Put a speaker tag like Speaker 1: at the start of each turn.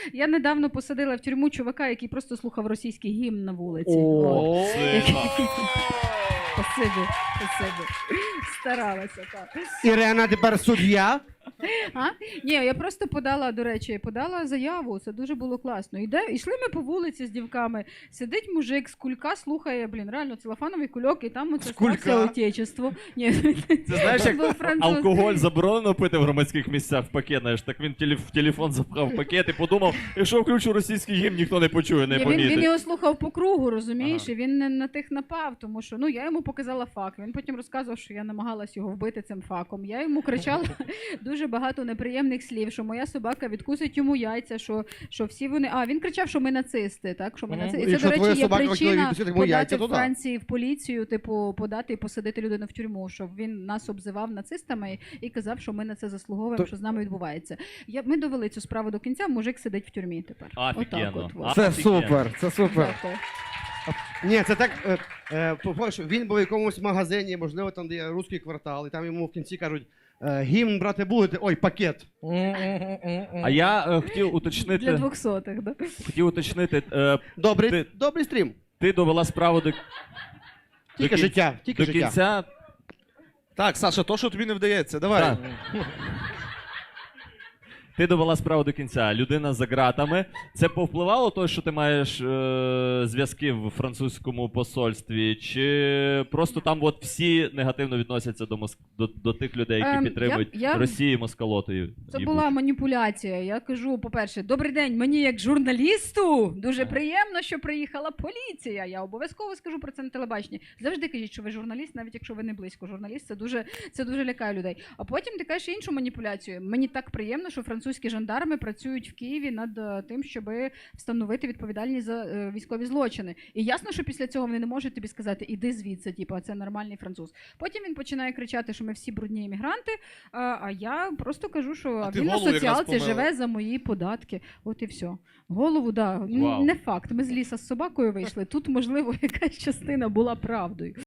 Speaker 1: Я недавно посадила в тюрму чувака, який просто слухав російський гімн на вулиці. Спасибі. Старалася, так.
Speaker 2: Ірена тепер суддя.
Speaker 1: Ні, я просто подала заяву, це дуже було класно. Йшли ми по вулиці з дівками, сидить мужик з кулька, слухає, реально целофановий кульок, і там оце стався отечество. Ні,
Speaker 3: це знаєш, як алкоголь заборонено пити в громадських місцях в пакет, знаєш, так він в телефон запхав пакет і подумав, якщо включу російський гімн, ніхто не почує, не помітить.
Speaker 1: Він його слухав по кругу, розумієш, і він не на тих напав, тому що, я йому показала факт, він потім розказував, що я намагалась його вбити цим факом. Я йому кричала дуже багато неприємних слів, що моя собака відкусить йому яйця, що всі вони... він кричав, що ми нацисти, так? Що ми нацисти. І це, до речі, є причина подати в Франції в поліцію, подати і посадити людину в тюрму, що він нас обзивав нацистами і казав, що ми на це заслуговуємо, що з нами відбувається. Ми довели цю справу до кінця, мужик сидить в тюрмі тепер.
Speaker 3: Офігенно.
Speaker 2: Це супер, це супер. Ні, це так, він був в якомусь магазині, можливо, там, де є русський квартал, і там йому в кінці кажуть, гімн брати будете, ой, пакет.
Speaker 3: А я хотів уточнити...
Speaker 1: Для 200-х, да?
Speaker 3: Хотів уточнити...
Speaker 2: Добрий стрім.
Speaker 3: Ти довела справу до...
Speaker 2: Тільки життя.
Speaker 3: До кінця...
Speaker 4: Так, Саша, то, що тобі не вдається, давай.
Speaker 3: Так. Ти довела справу до кінця, людина за ґратами. Це повпливало те, що ти маєш зв'язки в французькому посольстві? Чи просто там всі негативно відносяться до тих людей, які підтримують Росію москалотою?
Speaker 1: Це була маніпуляція. Я кажу, по-перше, добрий день, мені як журналісту дуже приємно, що приїхала поліція. Я обов'язково скажу про це на телебаченні. Завжди кажіть, що ви журналіст, навіть якщо ви не близько журналіст, це дуже лякає людей. А потім ти кажеш іншу маніпуляцію. Мені так приємно, що французькі жандарми працюють в Києві над тим, щоб встановити відповідальність за військові злочини. І ясно, що після цього вони не можуть тобі сказати, іди звідси, це нормальний француз. Потім він починає кричати, що ми всі брудні іммігранти, а я просто кажу, що він на соціалці живе за мої податки. От і все. Голову, не факт. Ми з ліса з собакою вийшли. Тут, можливо, якась частина була правдою.